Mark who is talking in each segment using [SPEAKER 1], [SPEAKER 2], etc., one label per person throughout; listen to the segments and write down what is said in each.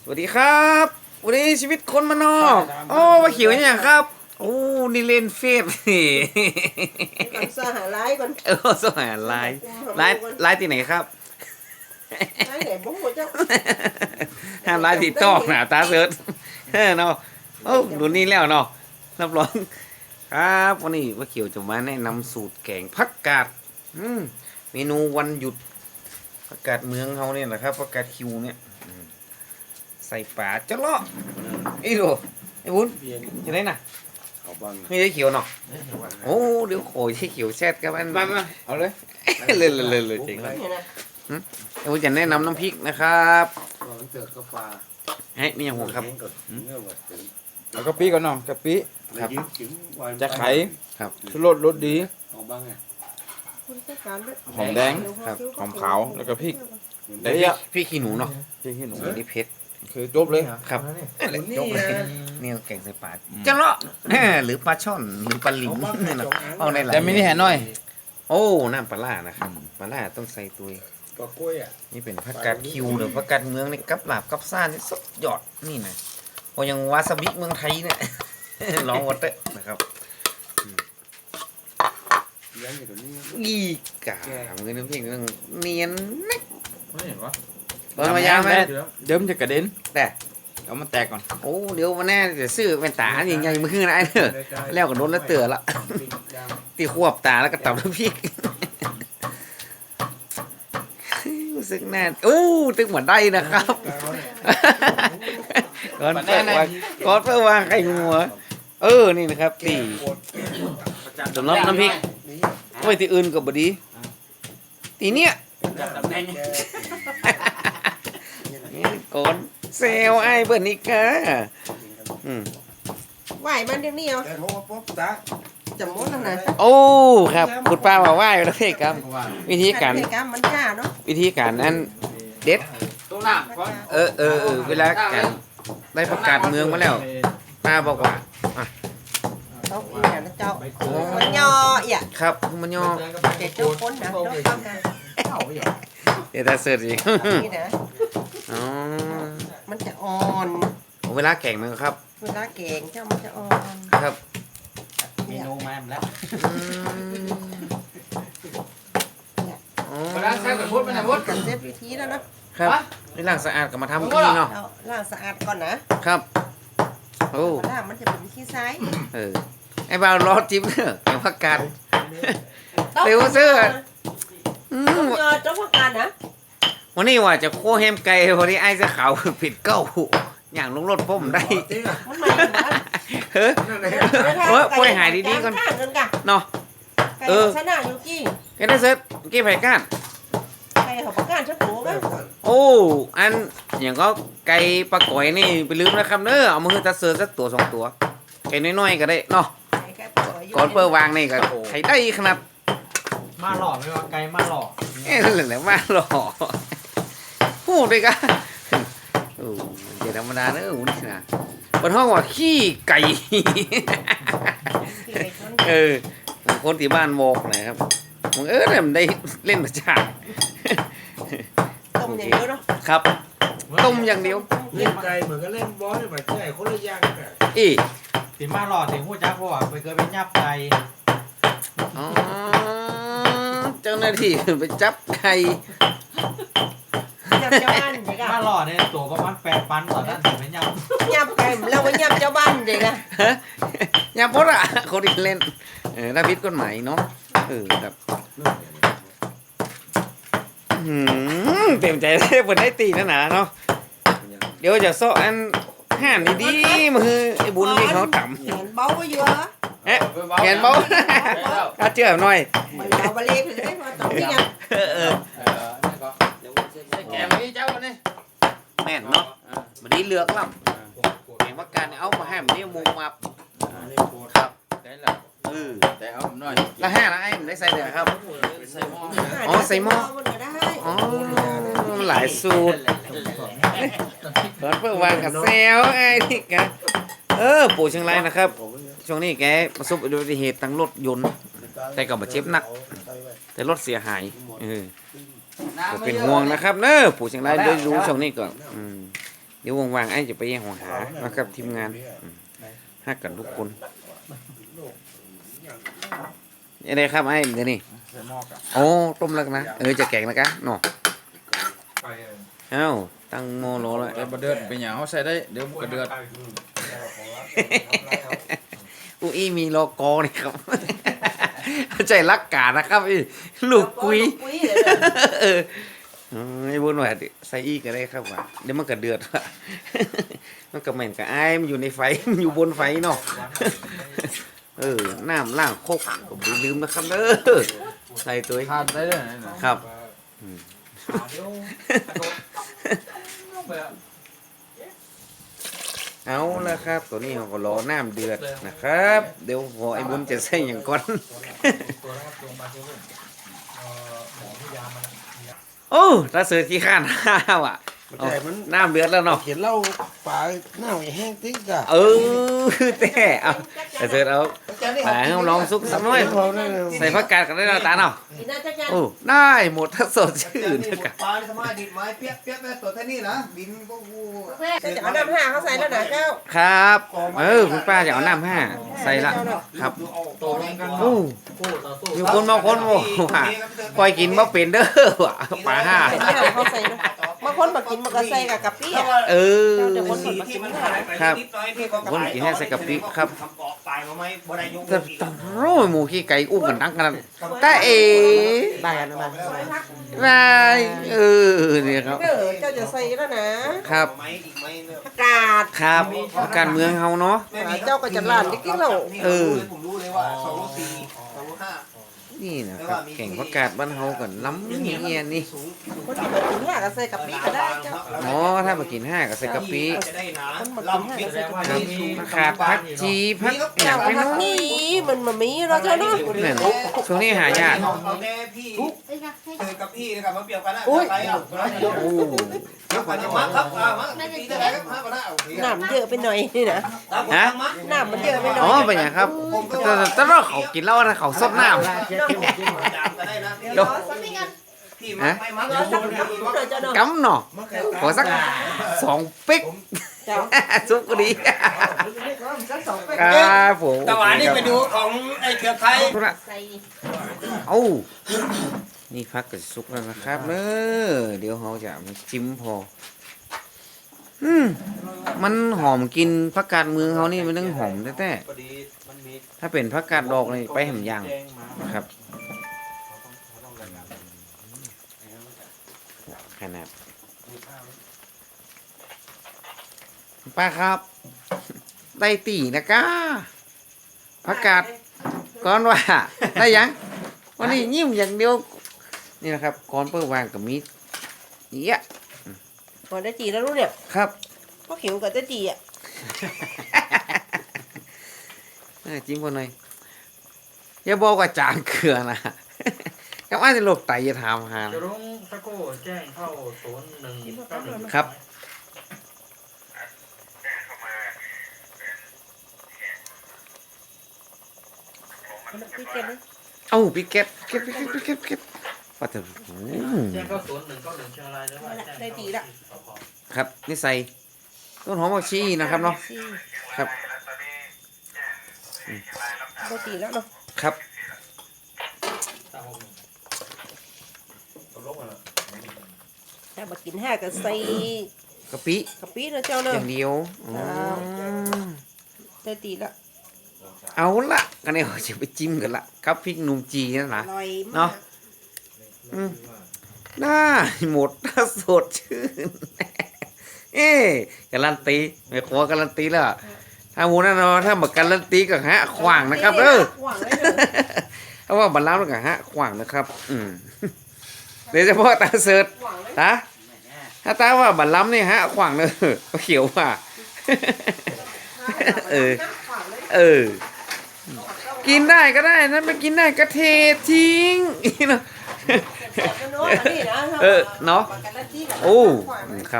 [SPEAKER 1] สวัสดีครับวันนี้ชีวิตคนมานอกโอ้ว่าเขียวเนี่ยครับโอ้นี่เล่นเฟซนี่
[SPEAKER 2] ก่อนสหาไลฟ์ก่อน
[SPEAKER 1] สหายไลน์ที่ไหนครับ
[SPEAKER 2] ไลฟ์ไหนบ้งหัวเจ้า
[SPEAKER 1] ห้ามไลน์ติดต่อหนาตาเสิร์ชเนาะโอ้ดูนี่แล้วเนาะรับรองครับวันนี้ว่าเขียวจะมาแนะนำสูตรแกงผักกาดเมนูวันหยุดผักกาดเมืองเขาเนี่ยแหละครับผักกาดคิวเนี่ยใส่ปลาจะเลาะไอ้ดูไอ้บุญยังไงน่ะไม่ได้เขียวเนาะโอ้เดี๋ยวโอยที่เขียวแซ่ดกับอันมาเอาเลยเลยจริงเลยไอ้บุญจะแนะนำน้ำพริกนะครับเฮ้ยนี่ยังห่วงครับ
[SPEAKER 3] แล้วกะปิก่อนเนาะกะปิ
[SPEAKER 1] ครับ
[SPEAKER 3] จะไข่
[SPEAKER 1] ครับ
[SPEAKER 3] ชูรสรสดี หอมแดง
[SPEAKER 1] ครับ
[SPEAKER 3] หอมขาวแล้วก็พริก
[SPEAKER 1] แต่
[SPEAKER 3] เดี๋ยว
[SPEAKER 1] พี่ขี้หนูเนาะ
[SPEAKER 3] พริกขี้หนู
[SPEAKER 1] อันนี้เผ็ด
[SPEAKER 3] คือจบเลย
[SPEAKER 1] ครับยกเลยนี่แกงใส่ปลาจะเลาะหรือปลาช่อนหรือปลาหลิงนี่เนาะเอาได้หลาย
[SPEAKER 3] แต่ไม่ได้แห่น้อย
[SPEAKER 1] โอ้น้ำปลาล่านะครับปลาล่าต้องใส่ตัวนี่เป็นผักกาดคิวหรือผักกาดเมืองในกับหลาบกับซ่านี่สุดยอดนี่นะพอยังวาซาบิเมืองไทยเนี่ย ลองวัดเตะนะครับอีกาเงินน้ำพริกนึงเนียนนักเปิดมายาวไหม
[SPEAKER 3] เดี๋ยวมันจะกระเด็น
[SPEAKER 1] แต่
[SPEAKER 3] เอามันแตกก่อน
[SPEAKER 1] โอ้เดี๋ยววันแน่จะซื้อเป็นตาอย่างใหญ่มือขึ้นนะไอ้เนอะแล้วก็โดนแล้วเตือละตีควบตาแล้วก็ตับน้ำพริกรู้สึกแน่โอ้ตึงเหมือนได้นะครับก่อนเปิดวางก่อนเปิดวางไข่งัวนี่นะครับตีสำหรับน้ำพริกไว้ที่อื่นก็บดีตีเนี้ยก่อนเซลไอ้เบิร์นิก้า
[SPEAKER 2] ไหวมันเดี๋ยวนี้เหรอจำมดแล้วนะ
[SPEAKER 1] โอ้ครับคุณป้ามาไหว้แล้วพี่ครับวิธีการ
[SPEAKER 2] กรรมมันจ้าเนาะ
[SPEAKER 1] วิธีการนั้นเด็ด
[SPEAKER 3] ตัวหน้าก่อน
[SPEAKER 1] เวลาการได้ประกาศเมืองมาแล้วป้าบอกว่า
[SPEAKER 2] ต้องอีกนะเจ้ามันย่ออีก
[SPEAKER 1] ครับมันย่อ
[SPEAKER 2] เด็กเจ้าคนนะเจ้าทำนะ
[SPEAKER 1] เดี๋ยวตาเสิร์ชอีก
[SPEAKER 2] นี่นะ
[SPEAKER 1] อ๋อ
[SPEAKER 2] มันจะอ่อน
[SPEAKER 1] เวลาแข่งมันครับ
[SPEAKER 2] เวลาแกงเจ้ามันจะอ่อน
[SPEAKER 1] ครับ
[SPEAKER 3] เมนูมาแล้ว
[SPEAKER 1] เวลาใช้กับพุทธมัน
[SPEAKER 2] พูดกันเซฟวิธีแล้วนะครับ
[SPEAKER 1] นี่ล้างสะอาดกับมาทำกี้เนาะ
[SPEAKER 2] เอาล้างสะอาดก่อนนะครับ
[SPEAKER 1] โอ้
[SPEAKER 2] ล้างมันจะเป็นขี้ซ้าย
[SPEAKER 1] ไอ้บ่าวรอจิ๊บเนอะแข่งพักการเร็วเสื้อ
[SPEAKER 2] ต้องยอเจ้าพักการนะ
[SPEAKER 1] วันนี้ว่าจะโค้แฮมไก่พอดีไอ้เสื้อขาวผิดเก้าอย่างลงรถผมได้
[SPEAKER 2] มันมาอยู่บ้าน
[SPEAKER 1] เฮ้ยป่วยหายดีๆก่อน
[SPEAKER 2] ข้างกันกะ
[SPEAKER 1] เนาะ
[SPEAKER 2] ไก่ชนะอยู่กี้
[SPEAKER 1] แกได้เซิร์ฟกี่ไผ่ก้าน
[SPEAKER 2] ไก่เขาประกันชักหัวกัน
[SPEAKER 1] โอ้อันอย่างก็ไก่ปลาก๋อยนี่ไปลืมนะครับเนอะเอามือตาเซิร์ฟสักตัวสองตัวไก่น้อยๆก็ได้เนาะก่อนเปิดวางนี่ก็ไข่ได้ขนาด
[SPEAKER 3] มาหล่อไม่ว่าไกลมาหล่อ
[SPEAKER 1] นั่นแหละมาหล่อพูดเลยกันโอ้เดี๋ยวธรรมดาเนอะนี่นะบนห้องว่าขี้ไก่คนที่บ้านบอกนะครับมึงเนี่ยมันได้เล่นประจาน
[SPEAKER 2] ต้มอย่างเดียวเนาะ
[SPEAKER 1] ครับต้มอย่างเดียว
[SPEAKER 4] เล่นไกลเหมือนกับเล่นบอลเลยแบบใช่คนละอย่างกัน
[SPEAKER 1] อี
[SPEAKER 3] ตีมาหล่อตีหูจักว่าไปเกิดเป็นยับไก่
[SPEAKER 1] อ๋อเจ้าหน้าที่ไปจับไข่
[SPEAKER 2] ยับเจ้าบ้านเด็กอะ
[SPEAKER 3] มาหล่อเนี่ยตัวประมาณ8,000ต่อด้านถึงเป็นยับ
[SPEAKER 2] ยับไก่เราไปยับเจ้าบ้านเด็กอะ
[SPEAKER 1] อย่าพดอ่ะคนที่เล่นถ้าพิษกฎหมายเนาะครับเต็มใจเลยเปิดได้ตีนะเนาะเดี๋ยวจะซ้ออันห่านดีๆมือไอ้บุญนี่เขาต่ำ
[SPEAKER 2] เห็นเบาก็เยอะ
[SPEAKER 1] เอ๊ะเขียนเบาถ้าเชื่อหน่อย
[SPEAKER 2] เราไปเลี้ยงเลยว่าต้องที่ยัง
[SPEAKER 3] แกไม่เจ้าเนี่ย
[SPEAKER 1] แม่นเนาะมันนี้เลือกล่ำแข่งว่าการเอามาให้มันนี่มุงมาครับ
[SPEAKER 3] ได้แล้ว แต่เอาหน่อย
[SPEAKER 1] ละห้าละไอ้มันได้ใส่เดือครับ
[SPEAKER 3] ใส่หม้อ
[SPEAKER 1] อ๋อใส่หม้อ
[SPEAKER 2] มันก็ได้
[SPEAKER 1] อ๋อหลายสูตรเปิดเพื่อวางกับเซลไอ้นี่แกปู่เชียงรายนะครับช่วงนี้แกประสบอุบัติเหตุทางรถยนต์แต่ก็บาดเจ็บหนักแต่รถเสียหายก็เป็นห่วงนะครับเนอะปู่เชียงรายได้รู้ช่วงนี้ก่อนเดี๋ยวว่างๆไอ้จะไปแย่งหัวหานะครับทีมงานฮักกันทุกคนยังไงครับไอ้เดี๋ยวนี้
[SPEAKER 3] ใส่หม้อกับ
[SPEAKER 1] โอ้ต้มแล้วนะจะแกงแล้วกันเนาะเอ้าตั้งโมโลแล้ว
[SPEAKER 3] แต่บะเดือดเป็นอย่างเขาใส่ได้เดี๋ยวมันก็เดือด
[SPEAKER 1] อุ้ยมีโลโก้นี่ครับ ใจรักกานะครับไอ้ลูกกุย
[SPEAKER 2] ปุ้ยเลย
[SPEAKER 1] เออไอ้บุญว่าใส่อีกก็ได้ครับว่าเดี๋ยวมันก็เดือดว่ะ มันก็เหม็นกับไอ้ายมันอยู่ในไฟ มันอยู่บนไฟเนาะ น้ำล่างโคกก็บ่ลืมนะครับเด้อใส่ตัว
[SPEAKER 3] ทานได้เลยนะครับ
[SPEAKER 1] เอาละครับ ตัวนี้เราก็รอน้ำเดือดนะครับ เดี๋ยวพอไอ้บุญจะใส่อย่างก่อน โอ้ถ้าเสือขี้ข้านห้าวอ่ะ
[SPEAKER 4] มันใจมัน
[SPEAKER 1] น้ำเดือดแล้วเนาะ
[SPEAKER 4] เขียนเหล้าปลาหน้าแห้งติ๊กอะ
[SPEAKER 1] แต่เอาแต่เสือเอาปลาให้ลองซุกสักหน่อย
[SPEAKER 4] พอได้เลย
[SPEAKER 1] ใส่ผักกาดกันได้แล้วตาเนาะ
[SPEAKER 2] กินได้จักจัง
[SPEAKER 1] โอ้ได้หมดถ้าสดชื่นนะครับ
[SPEAKER 5] ปลาสมาดินไม้เปียกเปียกแม่ตัวแค่นี้นะดินก็กู
[SPEAKER 2] แม่ก็จะเอาน้ำห้าเขาใส่แล้วนะเจ้า
[SPEAKER 1] ครับ คุณป้าจะเอาน้ำห้าใส่ละครับ
[SPEAKER 3] โตแรงกัน
[SPEAKER 1] โอ้อยู่คนบางคนโอ้ว่าปล่อยกินบ่เป็นเด้อว่ะปลาห้า
[SPEAKER 2] เป็นห้าเขาใส่เนาะบางคนมากินมันก็ใส่กับกะปิอ่ะ
[SPEAKER 1] เออ
[SPEAKER 2] เดี๋ยวคนสดมากินไม่ได้
[SPEAKER 1] ครับคนกินให้ใส่กะปิครับ
[SPEAKER 5] ปลายมาไหมบ่ได้ยก
[SPEAKER 1] แต่ต้องโร่หมูขี้ไก่อุ้มกันตั้งกันแต่
[SPEAKER 2] ได้กันมา
[SPEAKER 1] ได้เนี่ยครับ
[SPEAKER 2] เจ้าจะใส่แล้วนะครับ
[SPEAKER 5] ไม้อีกไม้เนี่ย
[SPEAKER 2] อากาศ
[SPEAKER 1] ครับการเมืองเฮาเนาะ
[SPEAKER 2] เจ้าก็จะล้านได้กินแล้ว
[SPEAKER 5] ผมรู้เลยว่า2 โล 4 2 โล 5
[SPEAKER 1] นี่นะครับแข่งประกาศบ้านเฮากันล้ำเงียนี่
[SPEAKER 2] คนที่มากินห้าก็ใส่กับปิก็ได้เจ้า
[SPEAKER 1] อ๋อถ้ามากินห้าก็ใส่กะปิ
[SPEAKER 5] จะได้นะ
[SPEAKER 2] ลำปิด
[SPEAKER 1] ขาดผักชีผักอย่าง
[SPEAKER 2] เจ้า
[SPEAKER 1] ไป
[SPEAKER 2] ทาง
[SPEAKER 1] เนาะ
[SPEAKER 2] นี้มันมีเราเจ้าเนาะ
[SPEAKER 1] นั่นช่วงนี้หายาก
[SPEAKER 5] เอาแค่พี่เจอกับพี่นะครับมาเปรียบกันนะไปอ่ะ
[SPEAKER 1] โอ้
[SPEAKER 5] เดี๋ยวก่อนจะมาครับมาปีได้ครับมาก็ได้โอเค
[SPEAKER 2] น้ำเยอะไปหน่อยนี่นะ
[SPEAKER 1] ฮะ
[SPEAKER 2] น้ำมันเยอะไปหน่
[SPEAKER 1] อ๋
[SPEAKER 2] อ
[SPEAKER 1] อย เป็นอย่างครับแต่ว่าเขากินเหล้านะเขาซดน้ำ
[SPEAKER 5] พี่มาไม่มาแล้วสักที
[SPEAKER 2] เจ้าเนาะ
[SPEAKER 1] กำเนาะขอสัก2 ปิ๊ก
[SPEAKER 2] เจ้า
[SPEAKER 1] ซุปก็ดี
[SPEAKER 2] สักสองเป็น
[SPEAKER 1] ครับผม
[SPEAKER 5] ตะวันนี่ไปดูของไอ้เครือไข่
[SPEAKER 2] ใส่
[SPEAKER 1] เอ้านี่พักกับซุปแล้วนะครับเนอะเดี๋ยวเราจะมาจิ้มพอมันหอมกินผักกาดเมืองเขานี่มันต้องหอมแท้ๆถ้าเป็นผักกาดดอกนี่ไปแหมย่างนะครับขนาดป้าครับ ได้ตีนะก้าผักกาดก่อนว่า ได้ยังวันนี้ยิ้มอย่างเดียวนี่นะครับก่อนเปิดวางกับมีดเยอะ
[SPEAKER 2] ก่อนได้จีแล้วรู้เนี่ย
[SPEAKER 1] ครับ
[SPEAKER 2] พวกขิวกับได้จีอ่ะ
[SPEAKER 1] จิ้มคนหน่อยอย่าบอกว่าจางเกลือนะ ก็ว่าจะโรคไตจะทำหา
[SPEAKER 6] จะรุ้งตะโก้แจ้งเข้า0191
[SPEAKER 1] ครับ
[SPEAKER 2] พี่เก็บนะ
[SPEAKER 1] เอ้าปิเก็ตเก็ตว่าแต่
[SPEAKER 6] แจ้งเข้า0191เชียงรายแล้วว่าแจ้ง
[SPEAKER 2] ได้จีละ
[SPEAKER 1] ครับนี่ใส่ต้นหอมผักชีนะครับเนาะครับ
[SPEAKER 2] ได้จีแล้วเนาะ
[SPEAKER 1] ครับ
[SPEAKER 2] ถ้ามากินห้าก็ใส่
[SPEAKER 1] กะปิ
[SPEAKER 2] กะปินะเจ้า
[SPEAKER 1] อ
[SPEAKER 2] เนาะ
[SPEAKER 1] ย่างเดียวอ๋อ
[SPEAKER 2] ได้จีละ
[SPEAKER 1] เอาละกันเนี่ยจะไปจิ้มกันละครับพริกหนุ่มจีนั่น
[SPEAKER 2] อ
[SPEAKER 1] นะ
[SPEAKER 2] ร่อย
[SPEAKER 1] เนาะ
[SPEAKER 2] มาก
[SPEAKER 1] ได้หมดถ้าสดชื่น การันตีไม่ขอการันตีแล้วถ้าหมูนั่นเนาะถ้ามาการันตีก็ฮะขวางนะครับ
[SPEAKER 2] ขวา
[SPEAKER 1] เออ
[SPEAKER 2] งเลยเด้อ
[SPEAKER 1] เพราะว่าบัลลังก์กับฮะขวางนะครับ โดยเฉพาะตาเสิร์ต
[SPEAKER 2] ขวางเลย
[SPEAKER 1] ตาถ้าตาว่าบัลลังก์นี่ฮะขวางเลยก็เขียวว่า เออ
[SPEAKER 2] ขวางเลย
[SPEAKER 1] เออ กินได้ก็ได้นั้นไม่กินได้ก็เททิ้ง เนาะ เออเนาะ โอ้ครับ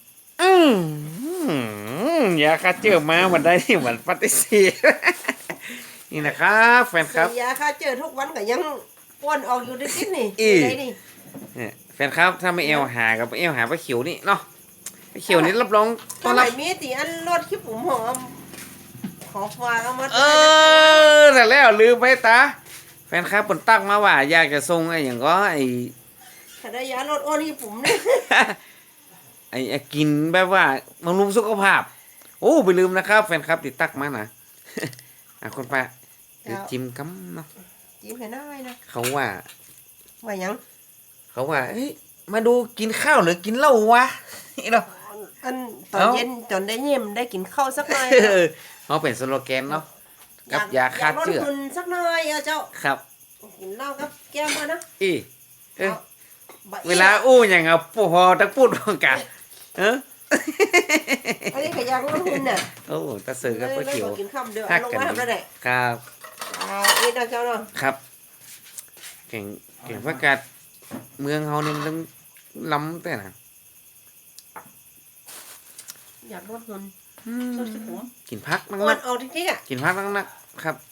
[SPEAKER 1] อย่าคัดเจอมาวันได้ที่วันปฏิเสธ นี่นะครับแฟนครับ
[SPEAKER 2] ยาค่าเจอทุกวันก็ยังอ้วนออกอยู่ดิ๊กนี่
[SPEAKER 1] อี
[SPEAKER 2] ไหนนี่
[SPEAKER 1] เนี่ยแฟนครับถ้าไม่เอวหากับเอวหาปลาเขียวนี่เนาะไปเขียวนี่รับรองต้
[SPEAKER 2] ถ้า
[SPEAKER 1] อน
[SPEAKER 2] ไหน
[SPEAKER 1] รับ
[SPEAKER 2] มีตีอันรถขี้ผมหอมขอฝากเอามา
[SPEAKER 1] เออแต่แล้วลืมไปตาแฟนคลับผลตั้งมาว่า อยากจะส่งไอ้อย่างก็ไอ้
[SPEAKER 2] ถ้าได้ยาลดอ้วนขี้ผมเนี่ย
[SPEAKER 1] ไอ้กินแบบว่าบำรุงสุขภาพ โอ้ไปลืมนะครับ แฟนคลับติดตักมานะ คนป้าเดี๋ยวจิ้มกัมเนาะ
[SPEAKER 2] จิ้มให้ได้นะ
[SPEAKER 1] เขาว่า
[SPEAKER 2] ว่าหยัง
[SPEAKER 1] เขาว่าเฮ้ยมาดูกินข้าวหรือกินเหล้าวะ นี่เนาะ
[SPEAKER 2] อันตอนเย็นจนได้เยี่ยมได้กินข้าวสักหน่อย
[SPEAKER 1] เขาเป็นสโลแกนเนาะกับยาฆ่าเชื้อ
[SPEAKER 2] ลดหุ่นสักหน่อยเจ้า
[SPEAKER 1] ครับ
[SPEAKER 2] กินเหล้ากับแก้มมานะ
[SPEAKER 1] อีเอ้ย
[SPEAKER 2] บะอี้
[SPEAKER 1] เวลาอู้อย่างอ่ะพอตักพูดพร้อมกันเออ
[SPEAKER 2] อันนี้ขยางลดหุ่นน่ะ
[SPEAKER 1] โอ้ตาเสือกับป้าเขียว
[SPEAKER 2] กินข้าวเดียว
[SPEAKER 1] ฮั
[SPEAKER 2] เอา
[SPEAKER 1] ก
[SPEAKER 2] ลง
[SPEAKER 1] กัน
[SPEAKER 2] มาทำได้ไหน
[SPEAKER 1] ครับ
[SPEAKER 2] นี่นะเจ้าเนาะ
[SPEAKER 1] ครับเก่งประกาศเมืองเฮานี่มันต้องล้ำแต่นะ
[SPEAKER 2] อยากลดหุ่น
[SPEAKER 1] อืม
[SPEAKER 2] ลดขี้ผม
[SPEAKER 1] กินพักนั
[SPEAKER 2] อ้วน
[SPEAKER 1] ก
[SPEAKER 2] เอาจริงๆอ่ะ
[SPEAKER 1] ๆกินพักนักๆครับ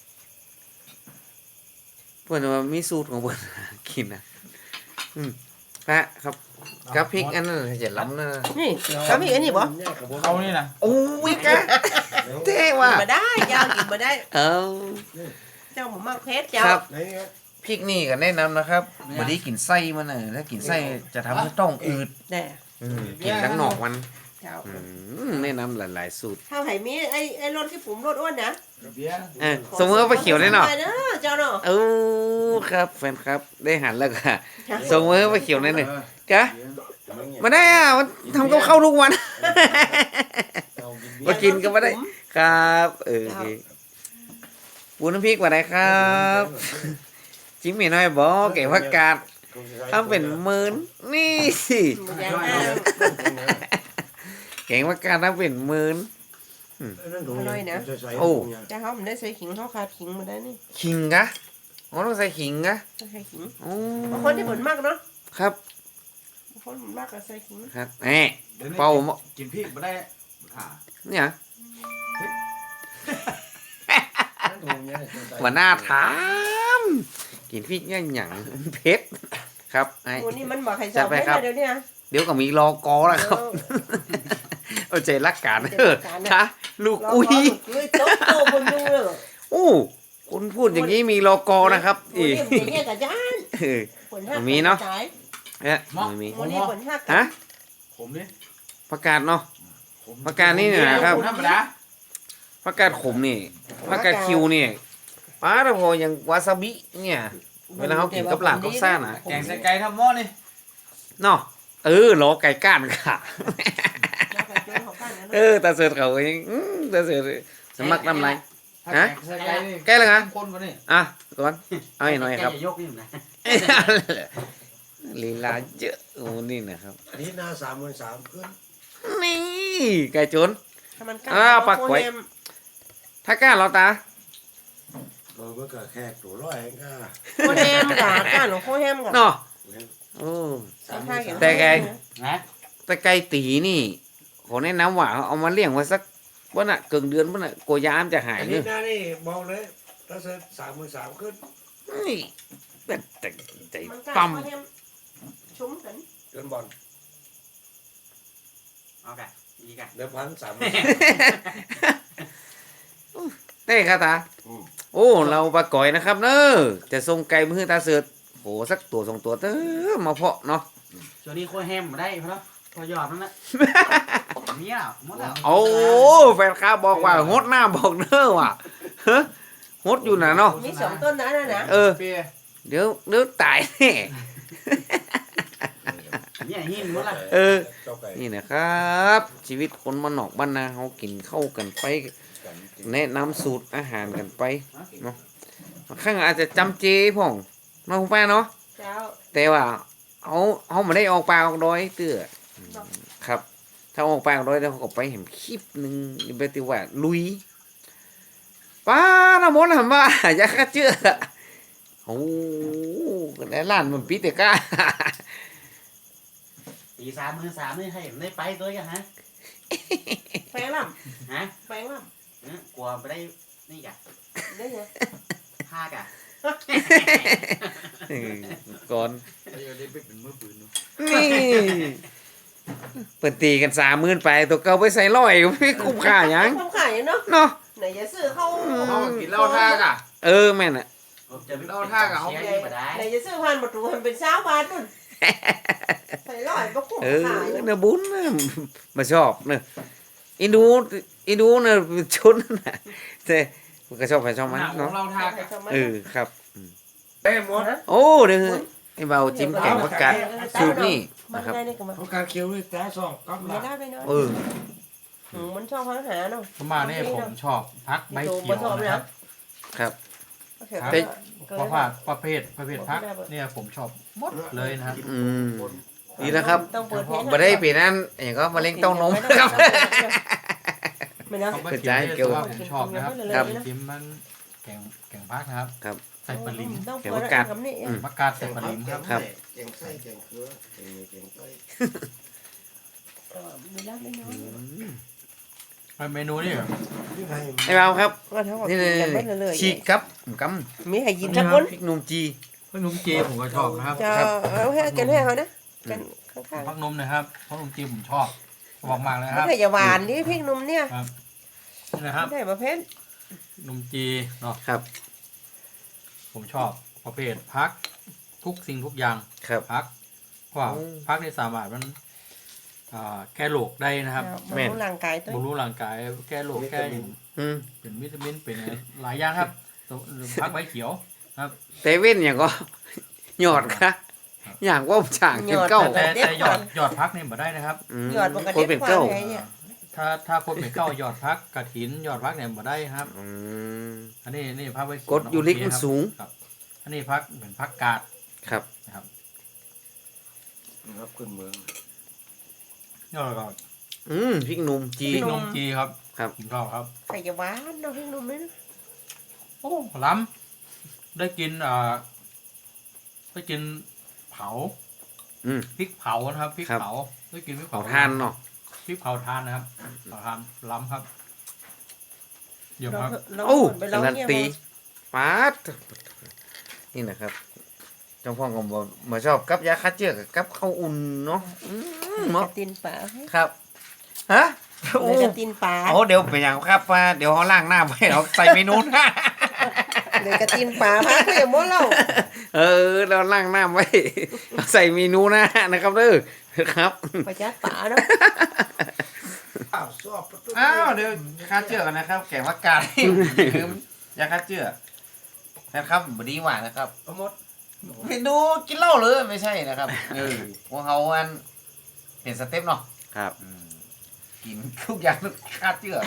[SPEAKER 1] เพื่อนว่ามีสูตรของเพื่อน กินนะพระครับกับพริกอันนั้นจะล้ำนะ
[SPEAKER 2] นี่เขามีอันนี้บ่
[SPEAKER 3] เขานี่นะ
[SPEAKER 1] โอ้ยกะเท่ว่ะ
[SPEAKER 2] กินมาได้ยาวกินมาได้
[SPEAKER 1] เออ
[SPEAKER 2] เจ้าหมูมากเพชรเจ้า
[SPEAKER 1] ครับ
[SPEAKER 4] ไหนครับ
[SPEAKER 1] พริกนี่ก็แนะนำนะครับบไดีกินไส้มันน่ะถ้ากินไส้จะทำให้ต้องอืด
[SPEAKER 2] แน่
[SPEAKER 1] กินทั้งหนอกมัน
[SPEAKER 2] เจ้า
[SPEAKER 1] แนะนำหลายๆสูตร
[SPEAKER 2] ถ้าไหมีไอ้รถที่ผมรถอ้วนนะ
[SPEAKER 3] เบียร์
[SPEAKER 1] สมมติว่าไปเขียวได้เนาะ
[SPEAKER 2] ไปเนาะเจ้าเนาะ
[SPEAKER 1] เออครับแฟนครับได้หันแล้วค่ะสมมติว่าไปเขียวได้หนึ่งกะมาได้อ่ะมันทำกับข้าวทุกวัน มากินก็ไม่ได้ครับโอเคปูน้ำพริกมาได้ครับจิ้มหมี่น้อยบอเก๋ผักกาดทำเป็นหมื่นนี่สิ
[SPEAKER 2] อย่างนั้น
[SPEAKER 1] เก๋ผักกาดทำเป็นหมื่น โอ้
[SPEAKER 2] แต่เขาไม่ได้ใส่ขิงเขาขาดขิงมาได้นี่
[SPEAKER 1] ขิงกะอ๋อต้องใส่ขิงกะ
[SPEAKER 2] ต้องใส่ขิง
[SPEAKER 1] โอ้
[SPEAKER 2] บางคนที่ผลมากเนาะ
[SPEAKER 1] ครับ
[SPEAKER 2] บางคนผลมากก็ใส่ขิง
[SPEAKER 1] ครับแหมเป่าหม้อ
[SPEAKER 3] กินพริกไม่ได้ขา
[SPEAKER 1] เนี่ยว่าหน้าถามกินพริกเนี่ยหยังเผ็ดครับไอ้
[SPEAKER 2] วันนี้มันบอกใครสอบไม่ได้เดี๋ยวนี้
[SPEAKER 1] เดี๋ยวก็มีรอกอแล้วครับเอาใจรักกันเออค่ะลูก
[SPEAKER 2] เรา
[SPEAKER 1] อุ้ย
[SPEAKER 2] ลุยโต๊ะโตบนดูเลย
[SPEAKER 1] โอ้คุณพูดอย่างนี้มีรอกอนะครับ
[SPEAKER 2] วันนี้มันจะแยกกับย่าน
[SPEAKER 1] เออ
[SPEAKER 2] ผลห้า
[SPEAKER 1] มีเนาะ
[SPEAKER 2] จ่าย
[SPEAKER 1] เนี่ยไม่มี
[SPEAKER 2] วันนี้ผลห้า
[SPEAKER 1] ฮะ
[SPEAKER 3] ผมนี่
[SPEAKER 1] ประกาศเนาะ ประกาศนี่เนี่ยนะครับ
[SPEAKER 3] ธรรมดา
[SPEAKER 1] ประกาศขมนี่ประกาศคิวนี่ป้าแต่พออย่างวาซาบิเนี่ย เวลาเขากินกับหลานกับซ่านะ
[SPEAKER 3] แกงใส่ไก่ทำหม้อนี่
[SPEAKER 1] เนาะรอไก่ก้านค่ะ ตาเสือเขาเองตาเสือสมัครน้ำไร ฮะ
[SPEAKER 3] ใส่ไก่นี่
[SPEAKER 1] แก้เลยนะ
[SPEAKER 3] คนวะนี่
[SPEAKER 1] อ่ะก่อนเอาให้หน่อยครับ
[SPEAKER 6] แกจะยกนี่นะ
[SPEAKER 1] ลีลาเยอะโอ้นี่นะครับ
[SPEAKER 4] อันนี้หน้า33,000ขึ้น
[SPEAKER 1] นี่ไก่จน
[SPEAKER 2] ปักไว้
[SPEAKER 1] ถ้ากล้าเราตา
[SPEAKER 4] เมื่อก็แค่ตัวร้อยเองก็
[SPEAKER 2] โคแฮมกะก้านหรือโคแฮมกะ
[SPEAKER 1] เนาะโอ้ แต่ไง
[SPEAKER 6] นะ
[SPEAKER 1] แต่ไก่ตีนี่ขอแนะนำว่าเอามาเลี้ยงไว้สักวันน่ะเกินเดือนวันน่ะกลัวยามจะหาย
[SPEAKER 4] อัน
[SPEAKER 1] เน
[SPEAKER 4] นี้
[SPEAKER 1] อะ
[SPEAKER 4] หน้านี่บอกเลยถ้าเสร็จ33,000ขึ้น
[SPEAKER 1] นี่แต่ใจ
[SPEAKER 2] มันกะ
[SPEAKER 1] ปั๊ม
[SPEAKER 2] โคแฮมชุ่มกัน
[SPEAKER 4] เดินบอล
[SPEAKER 6] เอากันอีกกัน
[SPEAKER 4] เดิมพัน3,000
[SPEAKER 1] ได้ครับตาโอ้เราปลาก่อยนะครับเนอะจะส่งไก่มือตาเสือโหสักตัวสองตัวเต้อมาเพาะเนาะ
[SPEAKER 6] ช่วงนี้โคแฮมมาได้เพราะพอยอดนั่นแหละมีอ่ะหมดแล้ว
[SPEAKER 1] โอ้แฟนข้าบอกว่าฮดหน้าบอกเนอะว่ะฮะฮดอยู่นะเนาะ
[SPEAKER 2] มี2ต้นนะนะ
[SPEAKER 3] เปีย
[SPEAKER 1] เดี๋ยวตายแน่
[SPEAKER 6] เนี่ยหินหมดละ
[SPEAKER 4] เจ้าไก่
[SPEAKER 1] นี่นะครับ ชีวิตคนมานนอกบ้านนาเขากินเข้ากันไป แนะนำสูตรอาหารกันไปเนาะบางครั้งอาจจะจำเจพ่องเนาะคุณป้าเนาะ
[SPEAKER 2] เจ้า
[SPEAKER 1] แต่ว่าเขาไม่ได้ออกป่าออกดอยเตื้อครับ ถ้าออกป่าออกดอยแล้วเขาก็ไปเห็นคลิปหนึ่งไปติว่าลุยป้าน้ำมนต์ทำว่าอยากเชื่อโอ้ในร้านมันปีเตก้า
[SPEAKER 6] ปี3 มือให้ได้ไปตัวกันฮะ
[SPEAKER 2] แปลงล่
[SPEAKER 6] ฮะ
[SPEAKER 2] ำแปลงล่
[SPEAKER 6] กลัวไปได้นี่กะ
[SPEAKER 2] ำได้ไง
[SPEAKER 6] ผ้ากะ
[SPEAKER 1] ก่อน
[SPEAKER 3] ไอ้เดี๋ยวนี้ไปเป็นมือปืนเนอะ
[SPEAKER 1] นี่เปิดตีกัน30,000ไปตัวเก่าไปใส่ร้อยไม่คุ้มค่าหยัง
[SPEAKER 2] ทำขายเนาะ
[SPEAKER 1] เนาะ
[SPEAKER 2] ไหนจะซื้อเข้า
[SPEAKER 3] เขากินเหล้าท่ากะ
[SPEAKER 1] แม่นอ่ะ
[SPEAKER 6] จะไป
[SPEAKER 3] เราท่ากับเขา
[SPEAKER 6] เสียนี่มาได้
[SPEAKER 2] ไหนจะซื้อพันประตูมันเป็นเช้าบาทนู่นใส่ร้อยก็คุ้มขาย
[SPEAKER 1] เนื้อบุญนะมาชอบเนอะอินดูเนอะชุดน่ะแต่มันก็ชอบใครชอบมัน
[SPEAKER 3] หนังขอ
[SPEAKER 1] เนาะ
[SPEAKER 3] งเราท่ากะ
[SPEAKER 1] ครับ
[SPEAKER 4] เต้หมด
[SPEAKER 1] โอ้เดี๋ยวไอ้เบาจิ้มแกงผักกาดสูตรนี่
[SPEAKER 2] มัน
[SPEAKER 1] นะครับ
[SPEAKER 2] ได้นี่ก็มา
[SPEAKER 4] เขาการเคี้ยวด้วยตาสองกับห
[SPEAKER 2] ไม่
[SPEAKER 4] ลัก
[SPEAKER 2] ได้ไปเนาะ มันชอบพังหาเนาะ
[SPEAKER 6] ประมาณนี้ผมชอบพักใบเขียวนะครับ
[SPEAKER 1] ครับ
[SPEAKER 6] ครับเพราะว่าประเภทพักเนี่ยผมชอบหมดเลยนะครับ
[SPEAKER 1] นี่นะครับ
[SPEAKER 2] ต้องเปิดเพลง
[SPEAKER 1] มาได้ปีนั้นอย่างก็มะเร็งเต้านมครับ
[SPEAKER 2] ไม่นะ
[SPEAKER 6] เขาไปเขียวเนี่ยแต่ว่าผมชอบนะครับ
[SPEAKER 1] ครับ
[SPEAKER 6] จิ้มมันแกงพักนะครับ
[SPEAKER 1] ครับ
[SPEAKER 6] ใส่ปลาลิม
[SPEAKER 2] ต้องเปิดคำนี้
[SPEAKER 6] ผักกาดใส่ปลาลิมครับ
[SPEAKER 1] ครับ
[SPEAKER 4] แกงไส้แกงเขือแกงไส้
[SPEAKER 2] ไม่ได้ไม่น้อย
[SPEAKER 6] เมนูนี่
[SPEAKER 4] ที่ให้
[SPEAKER 1] ไอ้เบาครับ
[SPEAKER 2] ก็เท่ากับ
[SPEAKER 1] นี่
[SPEAKER 2] กินกันไปเรื่อย
[SPEAKER 1] ฉีกครับก
[SPEAKER 2] มีให้กิน
[SPEAKER 1] ำ
[SPEAKER 2] สักคน
[SPEAKER 1] พริกหนุ่มจี
[SPEAKER 6] ขนมจีผมก็ชอบนะครับ
[SPEAKER 2] จะเอาให้กันให้เขานะกันข้าง
[SPEAKER 6] พักนมนะครับขนมจีผมชอบมากเลย
[SPEAKER 2] ๆ
[SPEAKER 6] ครับ
[SPEAKER 2] ไม่ใช่อย่าหวานนี่พริกนุ่มเนี่ย
[SPEAKER 6] นี่นะครับ
[SPEAKER 2] ไม่ใช่ประเภท
[SPEAKER 6] นมจีเนาะ
[SPEAKER 1] ครับ
[SPEAKER 6] ผมชอบประเภทพักทุกสิ่งทุกอย่าง
[SPEAKER 1] ครับ
[SPEAKER 6] พักเพราะว่า
[SPEAKER 1] โอ้
[SPEAKER 6] พักในสามารถมันแก้โรคได้นะครับ
[SPEAKER 1] แม่น
[SPEAKER 2] ร่างกายตัว
[SPEAKER 6] บำรุงร่างกายแก้โรคแก้อย่าง
[SPEAKER 1] อืม
[SPEAKER 6] เป็นวิตามินเป็นอะไรหลายอย่างครับพักใบเขียวครับ
[SPEAKER 1] เตเว่นอย่างก็ หยอดค่ะอย่างว่าฉางเป็นเก้า
[SPEAKER 6] แต่หยอดพักนี่มาได้นะครับ
[SPEAKER 2] หยอดปก
[SPEAKER 1] ค
[SPEAKER 2] ติ
[SPEAKER 1] นเป็นเก้า
[SPEAKER 2] ไงเนี่ย
[SPEAKER 6] ถ้าคนเป็นเก้าหยอดพักกระถินหยอดพักเนี่ยมาได้ครับ
[SPEAKER 1] อืม
[SPEAKER 6] อันนี้พักใบเขียว
[SPEAKER 1] กรดยูริกมันสูง
[SPEAKER 6] ครับอันนี้พักเหมือนพักกาด
[SPEAKER 1] ครับ
[SPEAKER 6] นะครับ
[SPEAKER 4] ครับขึ้นเมือง
[SPEAKER 6] ยอดก็
[SPEAKER 1] พริกหนุ่มจี
[SPEAKER 6] พริกนมจีครับ
[SPEAKER 1] ครับ
[SPEAKER 6] ผมชอบครับ
[SPEAKER 2] ใครจะหวานเนาะพริกนุ่มนี่นะ
[SPEAKER 6] โอ้ล้ำได้กินได้กินเผา
[SPEAKER 1] อืม
[SPEAKER 6] พริกเผานะครับพริก
[SPEAKER 1] ครับ
[SPEAKER 6] เผาได้กินพริก
[SPEAKER 1] เผา
[SPEAKER 6] เผา
[SPEAKER 1] ทานเนาะ
[SPEAKER 6] พริกเผาทานนะครับเผาทานล้ำครับเยี่ยมครับ
[SPEAKER 2] เรา
[SPEAKER 1] โอ้
[SPEAKER 2] ไป
[SPEAKER 1] กา
[SPEAKER 2] ลอง
[SPEAKER 1] รัน
[SPEAKER 2] เนี่ย
[SPEAKER 1] ตีปาดนี่นะครับเจ้าพ่อก็บอกมาชอบกับยาฆ่าเชื้อกับข้าวอุ่นเนาะเห
[SPEAKER 2] ก
[SPEAKER 1] มาะ
[SPEAKER 2] ระตินป่า
[SPEAKER 1] ครับฮะโอ้
[SPEAKER 2] กระตินป่า
[SPEAKER 1] โอ้เดี๋ยวเป็นอย่างครับว่าเดี๋ยวเขาล่างหน้าไว้เราใส่เมนูนะ
[SPEAKER 2] เลยกระตินป่าพักเลยหมดแล้ว
[SPEAKER 1] เราล่างหน้าไว้เราใส่เมนูหน้านะครับเด้อครับ
[SPEAKER 2] ประจัดป่าเนาะ
[SPEAKER 4] อ้าวสอบประตู
[SPEAKER 1] อ้าวเดี๋ยวฆ่าเชื้อกันนะครับ แกงผักกาดลืมยาฆ่าเชื้อนะครับบดีหวานนะครับ
[SPEAKER 4] เอาหมด
[SPEAKER 1] เมนูกินเหล้าเลยไม่ใช่นะครับพวกเขาอันเห็นสเต็ปเนาะครับกินทุกอย่างทุกฆ่าเชื้อ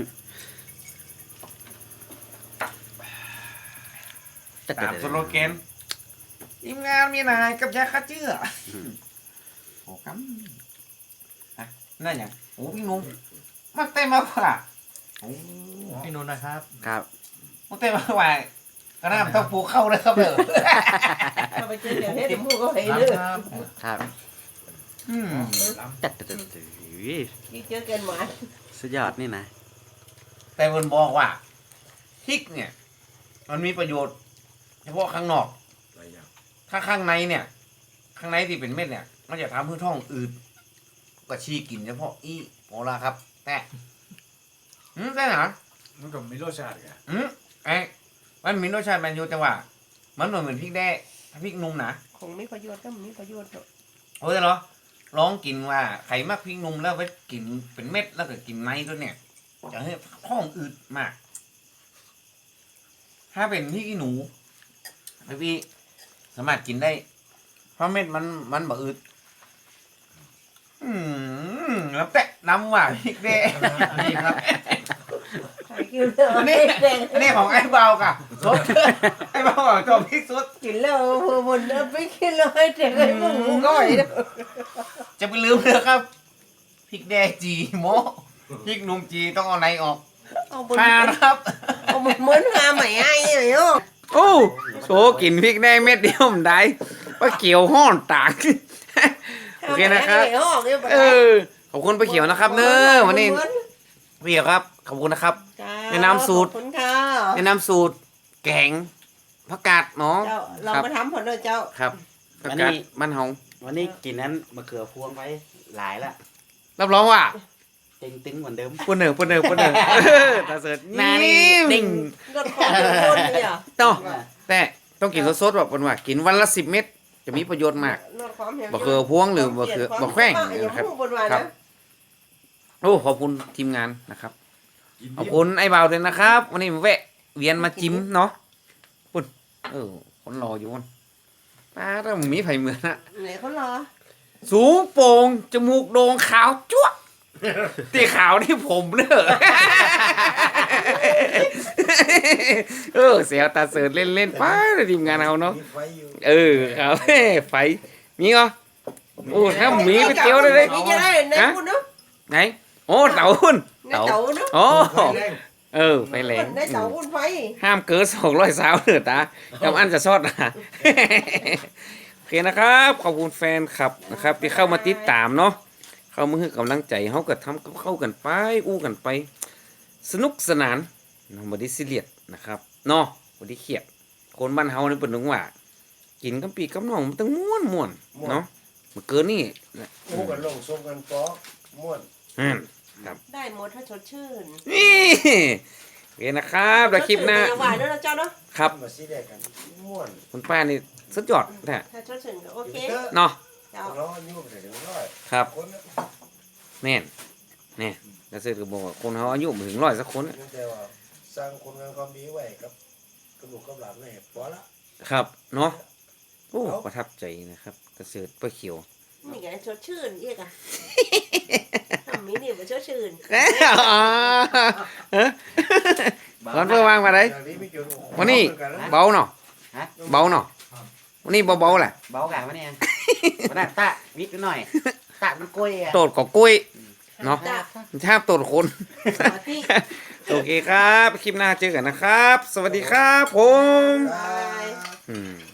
[SPEAKER 1] ตามสโลแกนทีมงานมีนายกับยาฆ่าเชื้อโอ้กันั่นอย่างโอ้พี่นุ่มมักเต้นมากกว่าโอ้
[SPEAKER 6] พี่นุ่นนะครับ
[SPEAKER 1] ครับมักเต้นมากกว่าก็น่าต้องปลูกเข้าเลยครับเด้อ
[SPEAKER 2] ถ้าไปเจออย่างนี้เดี๋ยวมูก็ให้
[SPEAKER 6] ล้
[SPEAKER 2] เลือด
[SPEAKER 6] ครับ
[SPEAKER 1] ครับ
[SPEAKER 7] จัด
[SPEAKER 2] ยิ่งเจอเกินหวาน
[SPEAKER 7] สุดยอดนี่นะ
[SPEAKER 1] แต่มันบอกว่าพริกเนี่ย มันมีประโยชน์เฉพาะข้างนอก
[SPEAKER 4] หลายอย่าง
[SPEAKER 1] ถ้าข้างในเนี่ย ข้างในที่เป็นเม็ดเนี่ย มันจะทำให้ท้องอืดก็ชี้กินเฉพาะอีโมลาครับ แต่ได้หรอ
[SPEAKER 4] มันก็มีรสชาติไง
[SPEAKER 1] ไอ้มันมีรสชาติมันอยู่จังหวะมันเหมือนพริกแด้พริกนุ่มนะ
[SPEAKER 2] คงมีประโยชน์ก็มีประโยชน์เนาะ
[SPEAKER 1] โอ้ยเหรอลองกินว่าไข่มากพริกนุ่มแล้วไปกินเป็นเม็ดแล้วก็กินในด้วยเนี่ยจะให้ท้องอืดมาก ถ้าเป็นพริกขี้หนูพี่สามารถกินได้ เพราะเม็ดมันบ่อืดแล้วแตะน้ำว่าพริกแด้
[SPEAKER 6] อันนี้ครับ
[SPEAKER 2] ใครกินแล้ว
[SPEAKER 1] อันนี้อันนี้ของไอ้เบากับสดไอ้เบาของจอมพริกสด
[SPEAKER 2] กินแล้วบนไปกินแล้วให้เด็กให้พวกหมูก้อยเนาะ
[SPEAKER 1] จะไปลืมเลยครับพริกแด้จีโมพริกนุ่มจีต้องเอาในออก
[SPEAKER 2] เอาบน
[SPEAKER 1] ทานครับ
[SPEAKER 2] เอาบนเหมือนหาใหม่ไอ้เนาะ
[SPEAKER 1] โอ้โชกินพริกแด้เม็ดเดียวมันได้ว่าเกี่ยวห้อนตาก โอเคนะครับ ขอบคุณป้าเขียวนะครับเนอะวันนี้พี่เขียวครับขอบคุณนะครับ แนะนำสูตร
[SPEAKER 2] ขอบคุณค่ะ
[SPEAKER 1] แนะนำสูตรแกงผักกาดเนาะ
[SPEAKER 2] เจ้าเรามาทำผลเลยเจ้า
[SPEAKER 1] ครับผักกาดมันเฮา
[SPEAKER 7] วันนี้กินนั้นมะเขือพวงไปหลายละ
[SPEAKER 1] รับรองว่า
[SPEAKER 5] เต็งตึงเหมือนเดิม
[SPEAKER 1] ปุ่นเนอตาเสิร์ช
[SPEAKER 5] หน้านี่เด้ง
[SPEAKER 2] รถของคนเนี่ย
[SPEAKER 1] ต้องแต่ต้องกินสดๆแบบว่ากินวันละ10 เม็ดจะมีประโยชน์มาก
[SPEAKER 2] รถความเหี่ยว
[SPEAKER 1] บะเขือพวงหรือบะเขือบะแขว้ง
[SPEAKER 2] อย่า
[SPEAKER 1] นะครับ
[SPEAKER 2] พูดบนวัน
[SPEAKER 1] ครั
[SPEAKER 2] นะ
[SPEAKER 1] บ โอ้ขอบคุณทีมงานนะครับขอบคุณไอ้บ่าวด้วยนะครับ วันนี้มาแวะเวียนมาจิ้มเนาะปุ่นคนรออยู่มันป้าถ้ามึงมีไผ่เหมือนอะ
[SPEAKER 2] ไหนเขารอ
[SPEAKER 1] สูงโป่งจมูกโด่งขาวจั๊วะตีขาวนี่ผมเนอะเสียวตาเสิร์ชเล่นๆป้าทีมงานเอาเนาะ
[SPEAKER 4] มีไฟอยู่
[SPEAKER 1] ครับไฟมีเหรอโอ้ถ้ามีไปเจียวได้เลย
[SPEAKER 2] นี่จะได้ไหนคุณเนาะ
[SPEAKER 1] ไหนโอ้เต่าหุ่น
[SPEAKER 2] ในเต่าเนาะ
[SPEAKER 1] โอ้
[SPEAKER 4] ไฟแรง
[SPEAKER 1] ไฟแรง
[SPEAKER 2] ในเต่าคุณไฟ
[SPEAKER 1] ห้ามเกิน200 สาวเนอะตากำอันจะซอดนะโอเคนะครับ ขอบคุณแฟนคลับนะครับที่เข้ามาติดตามเนาะเข้ามาให้กำลังใจเขาก็ทำกับเข้ากันไปอู้กันไป สนุกสนานเนาะบ่ได้ซีเรียสนะครับเนาะบ่ได้เครียดคนบ้านเฮานี่เพิ่นนึกว่า กินกับปีกับน้องมันต้องม่วนๆเนาะมันเกินนี่
[SPEAKER 4] อู้กันลงส่งกันปอกม่วน
[SPEAKER 2] ได้หมดถ้าสดชื่น
[SPEAKER 1] นี่โอเคนะครับแล้วคลิปหน้า
[SPEAKER 2] หวานเนาะเจ้าเนาะ
[SPEAKER 1] ครับ
[SPEAKER 4] มาสิได้กันม่วน
[SPEAKER 1] คุณป้านี่สุดยอดแท้
[SPEAKER 2] ถ้าสดชื่นก็โอเค
[SPEAKER 1] เนาะ
[SPEAKER 2] เจ้า
[SPEAKER 4] เราอายุไปถึง100
[SPEAKER 1] ครับ
[SPEAKER 4] คนนะ
[SPEAKER 1] แม่นนี่แล้วซื้อก็บอกว่าคนเฮาอายุบ่ถึง100สักคนอะ
[SPEAKER 4] แต่ว่าสร้างคนงานความดีไว้กับลูกกับหลานไว้พอละ
[SPEAKER 1] ครับเนาะโอ้ประทับใจนะครับกระเสริฐป้าเขียว
[SPEAKER 2] นี่ไงสดชื่นอีกอ่ะทำมีนี่มันสดชื่น
[SPEAKER 1] ก่อนเพื่อวางมาได้
[SPEAKER 4] อย่างนี้ไม่เกี่ยวกับ
[SPEAKER 1] วันนี้เบาเนาะเบาเนาะวันนี้เบาๆแหละ
[SPEAKER 5] เบากันวะเนี่ยวันนั้นตะวิกหน่อยตะมันกล้วยอ่ะ
[SPEAKER 1] โตดกับกล้วยเนาะ
[SPEAKER 2] จ้า
[SPEAKER 1] ชาบโตดคน
[SPEAKER 2] สวัสดี
[SPEAKER 1] โอเคครับ คลิปหน้าเจอกันนะครับ สวัสดีครับผม
[SPEAKER 2] บาย
[SPEAKER 1] อืม